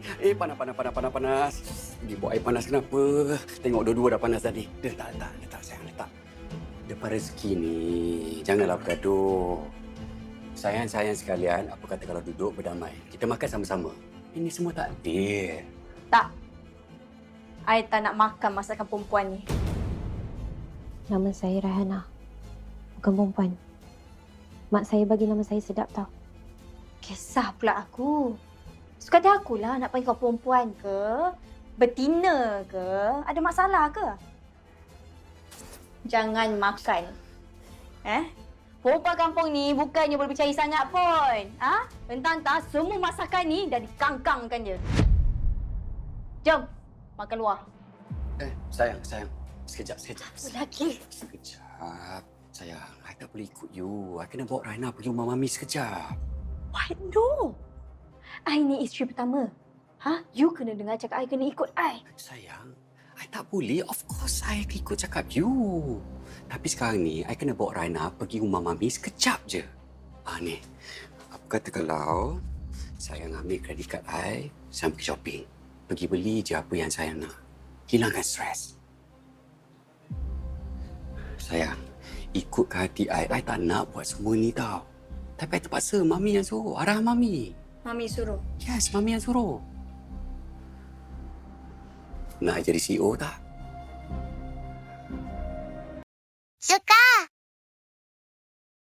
Panas, panas, panas, panas, panas. Dibawa air panas kenapa? Tengok dua-dua dah panas tadi. Letak, sayang, letak. Depan rezeki ni, janganlah bergaduh. Sayang-sayang sekalian, apa kata kalau duduk berdamai? Kita makan sama-sama. Ini semua takdir. Tak. I tak nak makan masakan perempuan ni. Nama saya Rahana. Bukan perempuan. Mak saya bagi nama saya sedap tau. Kisah pula aku. Suka akulah nak panggil kau perempuan ke? Betina ke? Ada masalah ke? Jangan makan. Perempuan kampung ni bukannya boleh percaya sangat pun. Entah-entah semua masakan ni dah dikangkangkan je. Jom, makan luar. Sayang. Sekejap. Lagi. Sekejap. Sayang, I tak boleh ikut you. I kena bawa Raina pergi rumah Mami sekejap. What? No. I ni isteri pertama. You kena dengar cakap I kena ikut I. Sayang, I tak boleh. Of course, I ikut cakap you. Tapi sekarang ni, I kena bawa Raina pergi rumah Mami sekejap je. Ni. Apa kata kalau sayang ambil kredit kad I, saya pergi shopping. Pergi beli je apa yang saya nak. Hilangkan stres. Sayang, ikut ke hati I tak nak buat semua ni tau. Tapi I terpaksa, Mami yang suruh. Arah Mami. Mami suruh. Yes, Mami yang suruh. Nak I jadi CEO tak? suka